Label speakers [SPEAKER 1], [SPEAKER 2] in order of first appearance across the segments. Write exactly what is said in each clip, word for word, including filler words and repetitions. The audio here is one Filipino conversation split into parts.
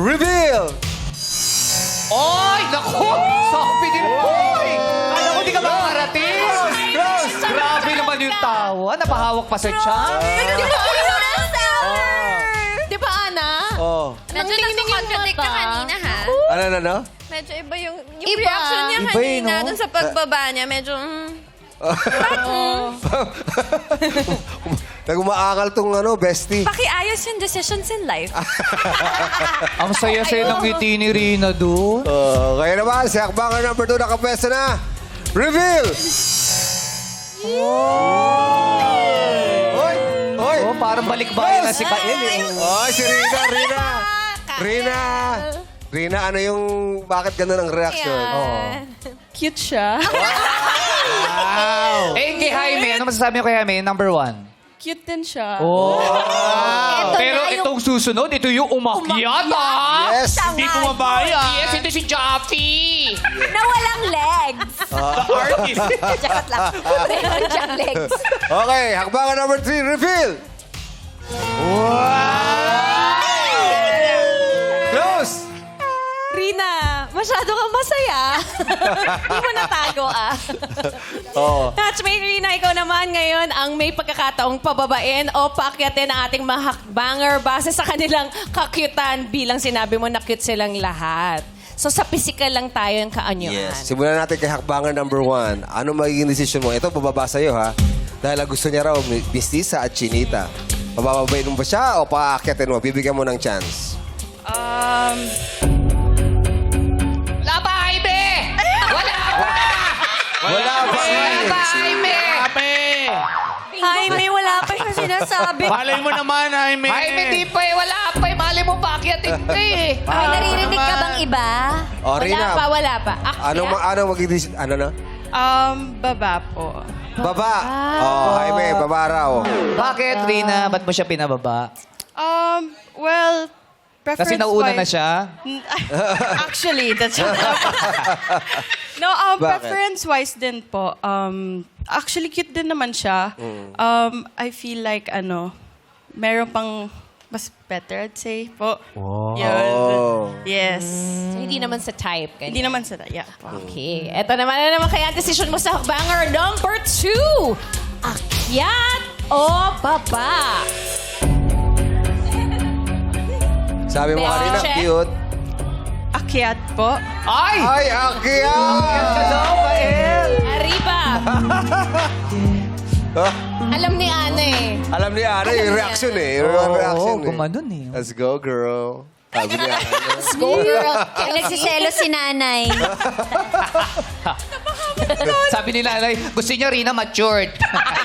[SPEAKER 1] reveal!
[SPEAKER 2] Oy! Naku! Sabi din po! Alam ko, di ka makakarating!
[SPEAKER 1] Close!
[SPEAKER 2] Grabe naman yung tawa. Napahawak pa sa tiyan.
[SPEAKER 3] Di ba, Di ba, Ana?
[SPEAKER 1] Oh.
[SPEAKER 3] Medyo nagko-contradict ka kanina, ha?
[SPEAKER 1] Ano, ano, ano?
[SPEAKER 3] Medyo iba yung, yung
[SPEAKER 4] Iba.
[SPEAKER 3] reaction niya
[SPEAKER 2] Iba eh,
[SPEAKER 3] kanina
[SPEAKER 2] no?
[SPEAKER 3] dun sa pagbaba niya. Medyo, mm.
[SPEAKER 1] Nag-umaakal tong ano, bestie.
[SPEAKER 3] Pakiayos yung decisions in life.
[SPEAKER 2] Ang saya-saya ng ngiti ni Rina doon.
[SPEAKER 1] Oh, kaya naman, si Hakbanger number two nakapwesto na. Reveal! Oy! Oy!
[SPEAKER 2] Oh, parang balikbayan na si Kael. Eh.
[SPEAKER 1] Oy, si Rina, Rina! Rina! Rina, ano yung, bakit ganun ang reaction?
[SPEAKER 3] Yan.
[SPEAKER 4] Cute siya.
[SPEAKER 1] Wow!
[SPEAKER 2] Eh, kay Jaime, ano masasabi mo kay Jaime? Number one.
[SPEAKER 4] Cute din siya.
[SPEAKER 2] Oh.
[SPEAKER 3] Ito
[SPEAKER 2] Pero
[SPEAKER 3] na yung-
[SPEAKER 2] itong susunod, ito yung umakyat, ha?
[SPEAKER 1] Yes!
[SPEAKER 2] Hindi bumabaya. Yes, ito si Jaffy.
[SPEAKER 3] Na walang legs.
[SPEAKER 2] The artist.
[SPEAKER 3] Charot lang. Meron siyang legs.
[SPEAKER 1] Okay, Hakbanger number three, reveal! Close!
[SPEAKER 3] Rina, masyado kang masaya. Hindi mo natago, ah.
[SPEAKER 1] Oo.
[SPEAKER 3] Touchmate Rina, ikaw naman ngayon ang may pagkakataong pababain o paakyatin ang ating mahakbanger base sa kanilang kakyutan bilang sinabi mo na cute silang lahat. So sa physical lang tayo yung kaanyuan.
[SPEAKER 1] Yes. Simulan natin kay Hakbanger number one. Ano magiging decision mo? Ito, bababa sa'yo, ha? Dahil ang gusto niya raw, mistisa at chinita. Pabababain mo ba siya o paakyatin mo? Bibigyan mo ng chance.
[SPEAKER 4] Um,
[SPEAKER 2] Wala pa, Jaime! Wala pa!
[SPEAKER 1] Wala pa!
[SPEAKER 2] Wala pa, Jaime!
[SPEAKER 3] Jaime, wala pa siya sinasabi.
[SPEAKER 5] Malay mo naman, Jaime.
[SPEAKER 2] Jaime, di pa eh. Wala pa eh. Mali mo pa, akyatin ka eh.
[SPEAKER 3] May naririnig ka bang iba?
[SPEAKER 1] O,
[SPEAKER 3] Wala
[SPEAKER 1] Rina.
[SPEAKER 3] pa, wala pa. Akyat?
[SPEAKER 1] Ano, ma- ano magiging decision? Ano na?
[SPEAKER 4] um, baba po.
[SPEAKER 1] Baba! Oh, Jaime, baba raw.
[SPEAKER 2] Bakit, Rina? Ba't mo siya pinababa?
[SPEAKER 4] Um, well, preference
[SPEAKER 2] Kasi nauna na siya?
[SPEAKER 4] Actually, that's No, um,
[SPEAKER 1] Bakit?
[SPEAKER 4] preference-wise din po. Um, actually, cute din naman siya. Um, I feel like, ano, meron pang mas better, I'd say po.
[SPEAKER 1] Oh.
[SPEAKER 4] Yun. Yes.
[SPEAKER 3] So, hindi naman sa type.
[SPEAKER 4] Hindi
[SPEAKER 3] Ganyan.
[SPEAKER 4] naman sa... Yeah. po.
[SPEAKER 3] Okay. Eto naman na naman kaya ang decision mo sa banger number two. Akyat o baba?
[SPEAKER 1] Sabi mo
[SPEAKER 3] Best
[SPEAKER 1] kanina,
[SPEAKER 3] check.
[SPEAKER 1] cute.
[SPEAKER 4] Akyat po.
[SPEAKER 2] Ay!
[SPEAKER 1] Ay, akyat!
[SPEAKER 2] Hello, Kael!
[SPEAKER 3] Arriba.
[SPEAKER 1] Ah,
[SPEAKER 3] Alam ni Ana eh.
[SPEAKER 1] alam ni Ana yung reaction eh. Yung
[SPEAKER 2] Oo,
[SPEAKER 1] reaction eh.
[SPEAKER 2] gumanon eh.
[SPEAKER 1] Let's go, girl. Sabi ni Ana.
[SPEAKER 3] Go girl. Nagsiselo si nanay.
[SPEAKER 2] Sabi ni nanay, gusto niya Rina matured.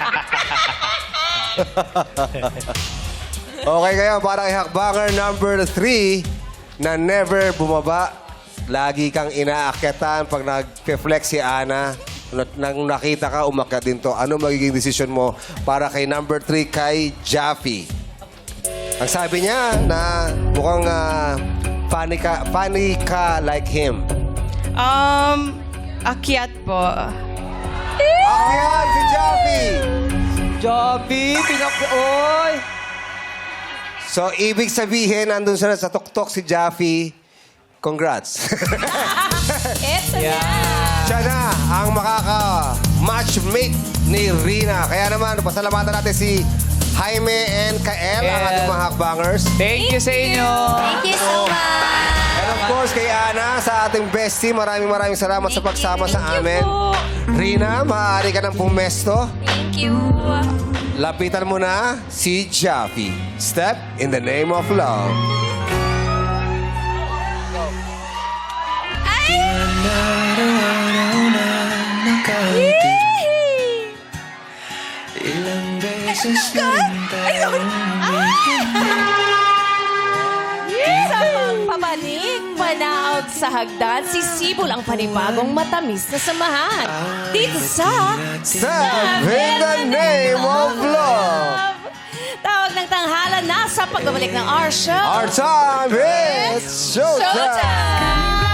[SPEAKER 1] Okay kayo, para kay Hakbanger number three na never bumaba. Lagi kang inaakyatan pag nag-flex si Ana. Nang nakita ka, umakyat din to. Ano magiging decision mo para kay number three kay Jaffy? Ang sabi niya na mukhang uh, funny, ka, funny ka like him.
[SPEAKER 4] Um, akyat po.
[SPEAKER 1] Akyat si Jaffy!
[SPEAKER 2] Javi, pinak... Oy!
[SPEAKER 1] So, ibig sabihin, nandun sa, sa tuktok si Jaffy. Congrats.
[SPEAKER 3] Eto na.
[SPEAKER 1] Siya na ang makaka-matchmate ni Rina. Kaya naman, pasalamatan natin si Jaime and Kael, ang
[SPEAKER 2] Kael.
[SPEAKER 1] ating mga hakbangers.
[SPEAKER 2] Thank you sa inyo.
[SPEAKER 3] Thank you so much.
[SPEAKER 1] And of course, kay Ana, sa ating bestie, maraming maraming salamat sa pagsama sa amin. Rina, maaari ka ng pumesto.
[SPEAKER 3] Thank you.
[SPEAKER 1] Lapitan mo na si Jaffy. Step in the name of love.
[SPEAKER 6] Ilang beses na tayong
[SPEAKER 3] Sa pagpapanig, panaog sa hagdan, sisibol ang panibagong matamis na samahan. Dito sa
[SPEAKER 1] Step in the name of love.
[SPEAKER 3] Tawag ng tanghalan na sa pagbabalik ng our show.
[SPEAKER 1] Our time is showtime.
[SPEAKER 3] Showtime!